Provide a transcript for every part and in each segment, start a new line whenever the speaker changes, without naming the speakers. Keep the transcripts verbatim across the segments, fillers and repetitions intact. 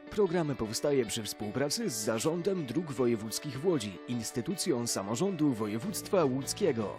Program powstaje przy współpracy z Zarządem Dróg Wojewódzkich w Łodzi, instytucją samorządu województwa łódzkiego.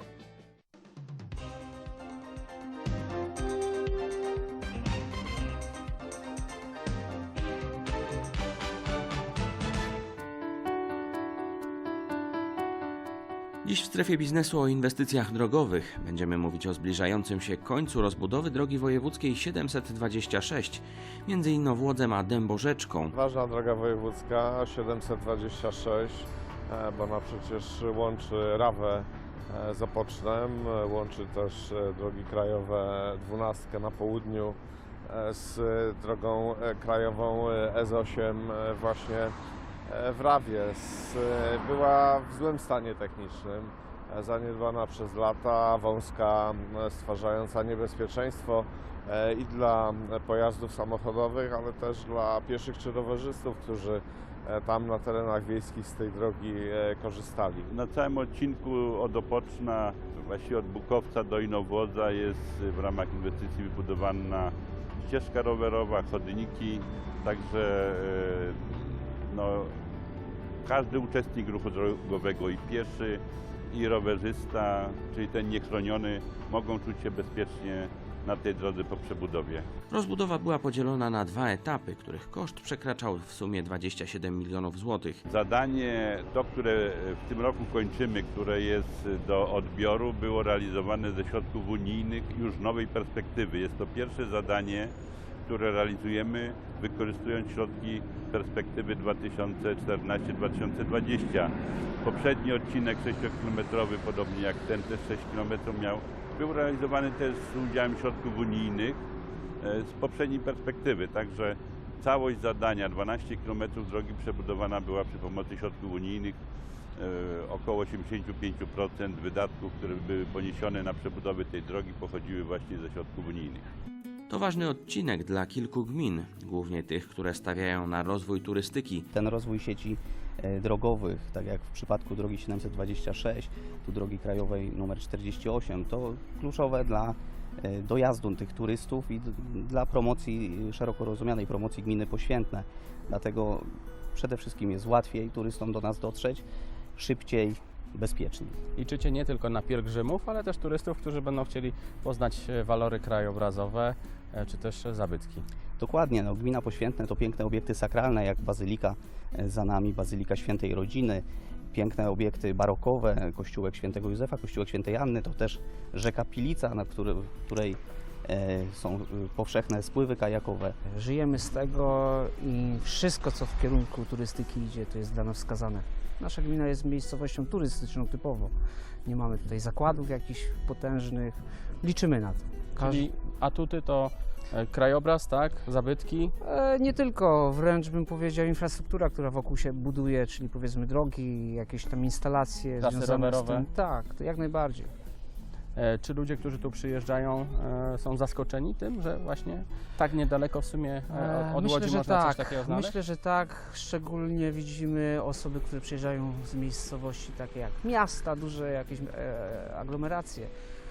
Dziś w strefie biznesu o inwestycjach drogowych będziemy mówić o zbliżającym się końcu rozbudowy drogi wojewódzkiej siedemset dwadzieścia sześć między Inowłodzem a Dęborzeczką.
Ważna droga wojewódzka siedemset dwadzieścia sześć, bo ona przecież łączy Rawę z Opocznem, łączy też drogi krajowe dwunastkę na południu z drogą krajową S osiem właśnie w Rawie. Była w złym stanie technicznym, zaniedbana przez lata, wąska, stwarzająca niebezpieczeństwo i dla pojazdów samochodowych, ale też dla pieszych czy rowerzystów, którzy tam na terenach wiejskich z tej drogi korzystali.
Na całym odcinku od Opoczna, właściwie od Bukowca do Inowłodza jest w ramach inwestycji wybudowana ścieżka rowerowa, chodniki, także no, każdy uczestnik ruchu drogowego, i pieszy, i rowerzysta, czyli ten niechroniony, mogą czuć się bezpiecznie na tej drodze po przebudowie.
Rozbudowa była podzielona na dwa etapy, których koszt przekraczał w sumie dwadzieścia siedem milionów złotych.
Zadanie, to które w tym roku kończymy, które jest do odbioru, było realizowane ze środków unijnych już nowej perspektywy. Jest to pierwsze zadanie, które realizujemy, wykorzystując środki perspektywy dwa tysiące czternaście do dwa tysiące dwudziestego. Poprzedni odcinek sześciokilometrowy, podobnie jak ten też sześć kilometrów miał, był realizowany też z udziałem środków unijnych z poprzedniej perspektywy. Także całość zadania, dwanaście kilometrów drogi przebudowana była przy pomocy środków unijnych. Około osiemdziesiąt pięć procent wydatków, które były poniesione na przebudowę tej drogi, pochodziły właśnie ze środków unijnych.
To ważny odcinek dla kilku gmin, głównie tych, które stawiają na rozwój turystyki.
Ten rozwój sieci drogowych, tak jak w przypadku drogi siedemset dwadzieścia sześć, tu drogi krajowej numer czterdzieści osiem, to kluczowe dla dojazdu tych turystów i dla promocji, szeroko rozumianej promocji gminy Poświętne. Dlatego przede wszystkim jest łatwiej turystom do nas dotrzeć, szybciej, bezpieczniej.
Liczycie nie tylko na pielgrzymów, ale też turystów, którzy będą chcieli poznać walory krajobrazowe czy też zabytki.
Dokładnie, no, gmina Poświętne to piękne obiekty sakralne, jak Bazylika za nami, Bazylika Świętej Rodziny, piękne obiekty barokowe, kościółek Świętego Józefa, kościółek Świętej Anny, to też rzeka Pilica, na której, której e, są powszechne spływy kajakowe.
Żyjemy z tego i wszystko, co w kierunku turystyki idzie, to jest dla nas wskazane. Nasza gmina jest miejscowością turystyczną typowo. Nie mamy tutaj zakładów jakichś potężnych. Liczymy na to. Każdy...
Czyli atuty to krajobraz, tak? Zabytki?
E, nie tylko, wręcz bym powiedział infrastruktura, która wokół się buduje, czyli powiedzmy drogi, jakieś tam instalacje
Trasy
związane
rowerowe.
z tym. Tak, to jak najbardziej.
E, czy ludzie, którzy tu przyjeżdżają, e, są zaskoczeni tym, że właśnie tak niedaleko w sumie e, od
Myślę,
Łodzi
że
można
tak.
coś takiego znaleźć?
Myślę, że tak. Szczególnie widzimy osoby, które przyjeżdżają z miejscowości takie jak miasta, duże jakieś e, aglomeracje.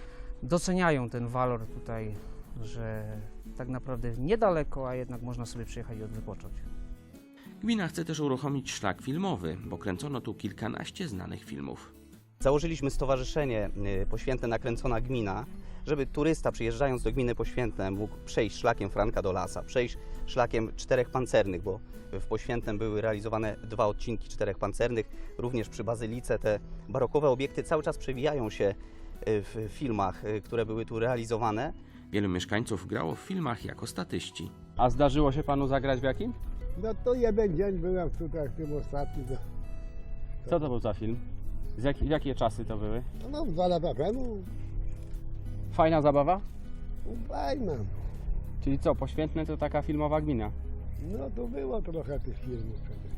Doceniają ten walor tutaj, że tak naprawdę niedaleko, a jednak można sobie przyjechać i odwypocząć.
Gmina chce też uruchomić szlak filmowy, bo kręcono tu kilkanaście znanych filmów.
Założyliśmy stowarzyszenie Poświętne Nakręcona Gmina, żeby turysta przyjeżdżając do gminy Poświętne mógł przejść szlakiem Franka do Lasa, przejść szlakiem Czterech Pancernych, bo w Poświętnem były realizowane dwa odcinki Czterech Pancernych. Również przy Bazylice te barokowe obiekty cały czas przewijają się w filmach, które były tu realizowane.
Wielu mieszkańców grało w filmach jako statyści.
A zdarzyło się panu zagrać w jakim?
No to jeden dzień byłem tutaj w tym ostatnim. To,
Co to był za film? Z jak, jakie czasy to były?
no dwa lata temu.
Fajna zabawa?
Fajna.
Czyli co, Poświętne to taka filmowa gmina?
No to było trochę tych filmów przecież.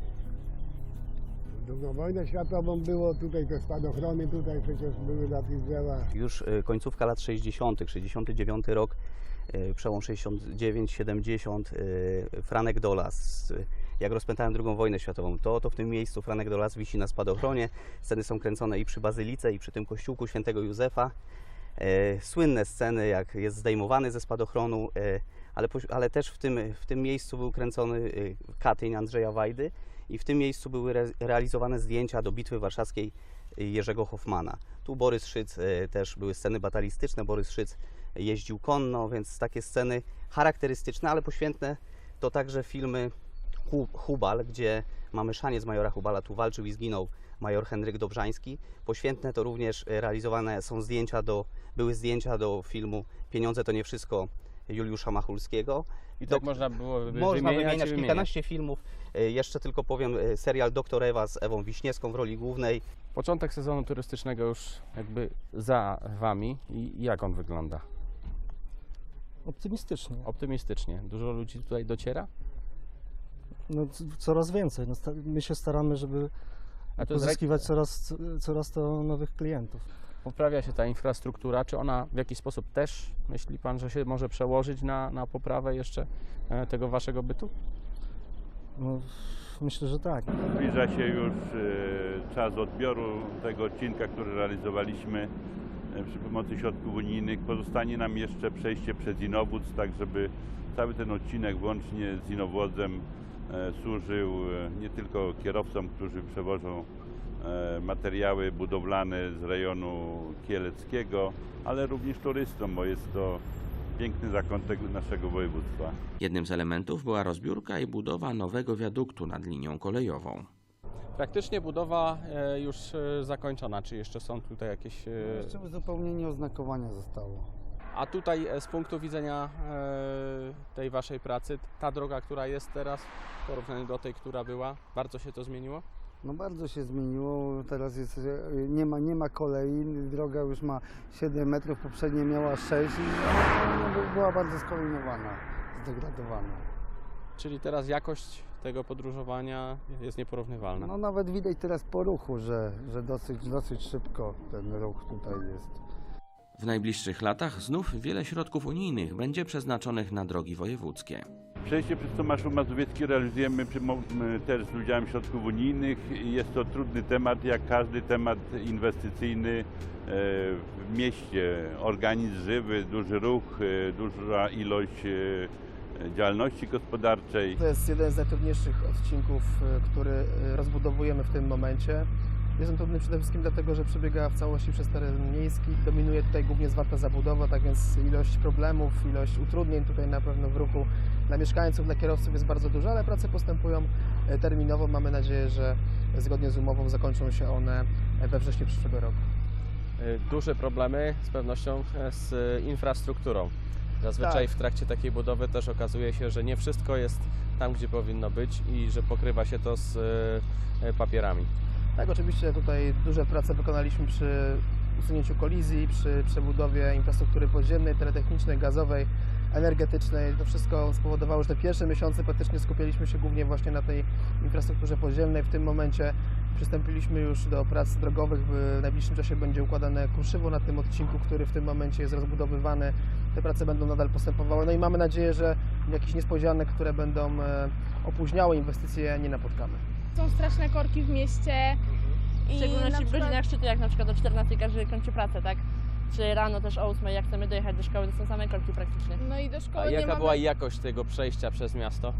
Drugą wojnę światową było, tutaj te spadochrony tutaj przecież były na tych drzewach.
Już końcówka lat sześćdziesiątych, sześćdziesiąty dziewiąty rok, przełom sześćdziesiąt dziewięć siedemdziesiąt, Franek Dolas. Jak rozpętałem drugą wojnę światową, to, to w tym miejscu Franek Dolas wisi na spadochronie. Sceny są kręcone i przy Bazylice, i przy tym kościółku Świętego Józefa. Słynne sceny, jak jest zdejmowany ze spadochronu, ale, poś- ale też w tym, w tym miejscu był kręcony y, Katyń Andrzeja Wajdy i w tym miejscu były re- realizowane zdjęcia do Bitwy Warszawskiej y, Jerzego Hoffmana. Tu Borys Szyc, y, też były sceny batalistyczne, Borys Szyc jeździł konno, więc takie sceny charakterystyczne, ale poświętne to także filmy Hu- Hubal, gdzie mamy szaniec majora Hubala, tu walczył i zginął major Henryk Dobrzański. Poświętne to również e, realizowane są zdjęcia do, były zdjęcia do filmu Pieniądze to nie wszystko Juliusza Machulskiego.
I
Do-
tak można było by
Można
wymieniać,
wymieniać
i wymieniać.
kilkanaście filmów. E, Jeszcze tylko powiem e, serial Doktor Ewa z Ewą Wiśniewską w roli głównej.
Początek sezonu turystycznego już jakby za Wami i jak on wygląda?
Optymistycznie.
Optymistycznie. Dużo ludzi tutaj dociera?
No, c- coraz więcej. No, sta- my się staramy, żeby
A to jest
pozyskiwać coraz, coraz to nowych klientów.
Poprawia się ta infrastruktura, czy ona w jakiś sposób też, myśli Pan, że się może przełożyć na, na poprawę jeszcze e, tego Waszego bytu?
No, myślę, że tak.
Zbliża się już e, czas odbioru tego odcinka, który realizowaliśmy e, przy pomocy środków unijnych. Pozostanie nam jeszcze przejście przez Inowódz, tak żeby cały ten odcinek włącznie z Inowłodzem e, służył e, nie tylko kierowcom, którzy przewożą e, materiały budowlane z rejonu kieleckiego, ale również turystom, bo jest to piękny zakątek naszego województwa.
Jednym z elementów była rozbiórka i budowa nowego wiaduktu nad linią kolejową.
Praktycznie budowa e, już e, zakończona, czy jeszcze są tutaj jakieś... E,
Jeszcze uzupełnienie oznakowania zostało.
a tutaj e, z punktu widzenia e, tej Waszej pracy, ta droga, która jest teraz w porównaniu do tej, która była, bardzo się to zmieniło?
No bardzo się zmieniło, teraz jest, e, nie ma, nie ma kolei, droga już ma siedem metrów, poprzednie miała sześć i no, no, była bardzo skolinowana, zdegradowana.
Czyli teraz jakość tego podróżowania jest nieporównywalna.
No nawet widać teraz po ruchu, że, że dosyć, dosyć szybko ten ruch tutaj jest.
W najbliższych latach znów wiele środków unijnych będzie przeznaczonych na drogi wojewódzkie.
Przejście przez Tomaszów Mazowiecki realizujemy przy, mo- m, też z udziałem środków unijnych. Jest to trudny temat, jak każdy temat inwestycyjny e, w mieście. Organizm żywy, duży ruch, e, duża ilość e, działalności gospodarczej.
To jest jeden z najtrudniejszych odcinków, e, który e, rozbudowujemy w tym momencie. Jest on trudny przede wszystkim dlatego, że przebiega w całości przez teren miejski. Dominuje tutaj głównie zwarta zabudowa, tak więc ilość problemów, ilość utrudnień tutaj na pewno w ruchu dla mieszkańców, dla kierowców jest bardzo duża, ale prace postępują e, terminowo. Mamy nadzieję, że zgodnie z umową zakończą się one we wrześniu przyszłego roku.
E, Duże problemy z pewnością e, z infrastrukturą. Zazwyczaj
Tak.
w trakcie takiej budowy też okazuje się, że nie wszystko jest tam, gdzie powinno być i że pokrywa się to z e, papierami.
Tak, oczywiście tutaj duże prace wykonaliśmy przy usunięciu kolizji, przy przebudowie infrastruktury podziemnej, teletechnicznej, gazowej, energetycznej. To wszystko spowodowało, że te pierwsze miesiące praktycznie skupialiśmy się głównie właśnie na tej infrastrukturze podziemnej. W tym momencie przystąpiliśmy już do prac drogowych. W najbliższym czasie będzie układane kruszywo na tym odcinku, który w tym momencie jest rozbudowywany. Te prace będą nadal postępowały. No i mamy nadzieję, że jakichś niespodzianek, które będą e, opóźniały inwestycje, nie napotkamy.
Są straszne korki w mieście.
W szczególności w godzinach szczytu, jak na przykład o czternastej każdy kończy pracę, tak? Czy rano też o ósmej, jak chcemy dojechać do szkoły, to są same korki praktycznie.
No i do szkoły
A
nie
jaka
mamy...
była jakość tego przejścia przez miasto?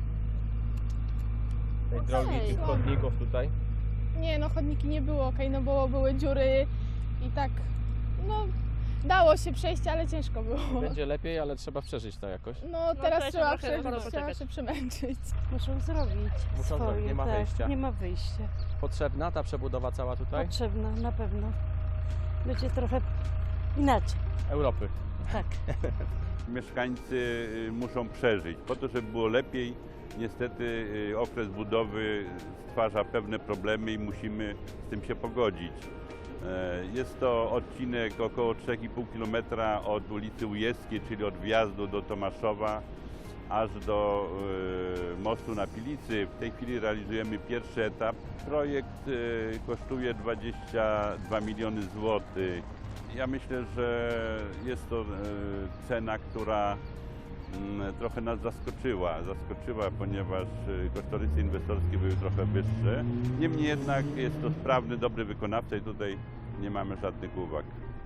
Tej
Okej.
drogi, tych chodników tutaj?
Nie, no chodniki nie było okej, no bo były dziury i tak, no dało się przejść, ale ciężko było.
Będzie lepiej, ale trzeba przeżyć to jakoś.
No
trzeba
teraz
się
trzeba
trochę
przeżyć,
poczekać.
trzeba się przemęczyć.
Muszą zrobić
Muszą
swoje,
zrobić, nie ma
tak,
wyjścia.
nie ma wyjścia.
Potrzebna ta przebudowa cała tutaj?
Potrzebna, na pewno. Będzie trochę inaczej,
Europy.
tak.
Mieszkańcy y, muszą przeżyć. Po to, żeby było lepiej, niestety y, okres budowy stwarza pewne problemy i musimy z tym się pogodzić. E, Jest to odcinek około trzy i pół kilometra od ulicy Ujewskiej, czyli od wjazdu do Tomaszowa, aż do y, mostu na Pilicy. W tej chwili realizujemy pierwszy etap. Projekt y, kosztuje dwadzieścia dwa miliony złotych. Ja myślę, że jest to y, cena, która y, trochę nas zaskoczyła. Zaskoczyła, ponieważ y, kosztorysy inwestorskie były trochę wyższe. Niemniej jednak jest to sprawny, dobry wykonawca i tutaj nie mamy żadnych uwag.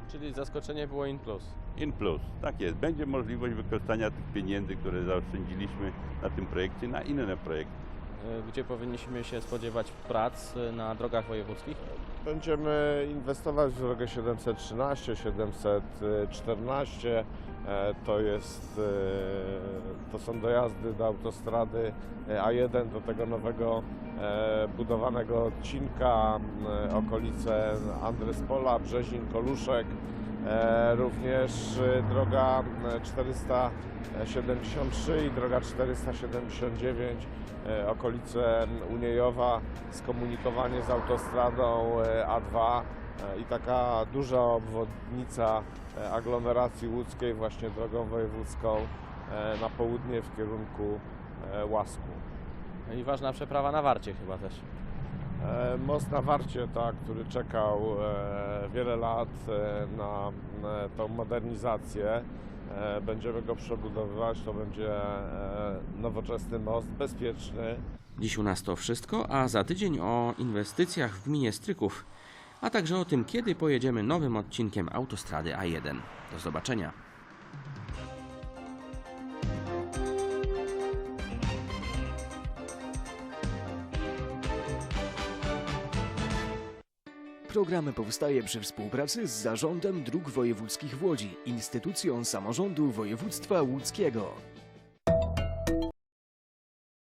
Czyli zaskoczenie było in plus.
In plus, tak jest. Będzie możliwość wykorzystania tych pieniędzy, które zaoszczędziliśmy na tym projekcie, na inne projekty.
Gdzie powinniśmy się spodziewać prac na drogach wojewódzkich?
Będziemy inwestować w drogę siedemset trzynaście, siedemset czternaście. E, To, jest, e, to są dojazdy do autostrady A jeden, do tego nowego e, budowanego odcinka, e, okolice Andrespola, Brzezin, Koluszek. E, również e, droga czterysta siedemdziesiąt trzy i droga czterysta siedemdziesiąt dziewięć, e, okolice Uniejowa, skomunikowanie z autostradą e, A dwa e, i taka duża obwodnica e, aglomeracji łódzkiej właśnie drogą wojewódzką e, na południe w kierunku e, Łasku.
I ważna przeprawa na Warcie chyba też.
E, Most na Warcie, tak, który czekał e, wiele lat e, na, na tą modernizację. E, Będziemy go przebudowywać, to będzie e, nowoczesny most, bezpieczny.
Dziś u nas to wszystko, a za tydzień o inwestycjach w gminie Stryków, a także o tym, kiedy pojedziemy nowym odcinkiem autostrady A jeden. Do zobaczenia.
Program powstaje przy współpracy z Zarządem Dróg Wojewódzkich w Łodzi, instytucją samorządu województwa łódzkiego.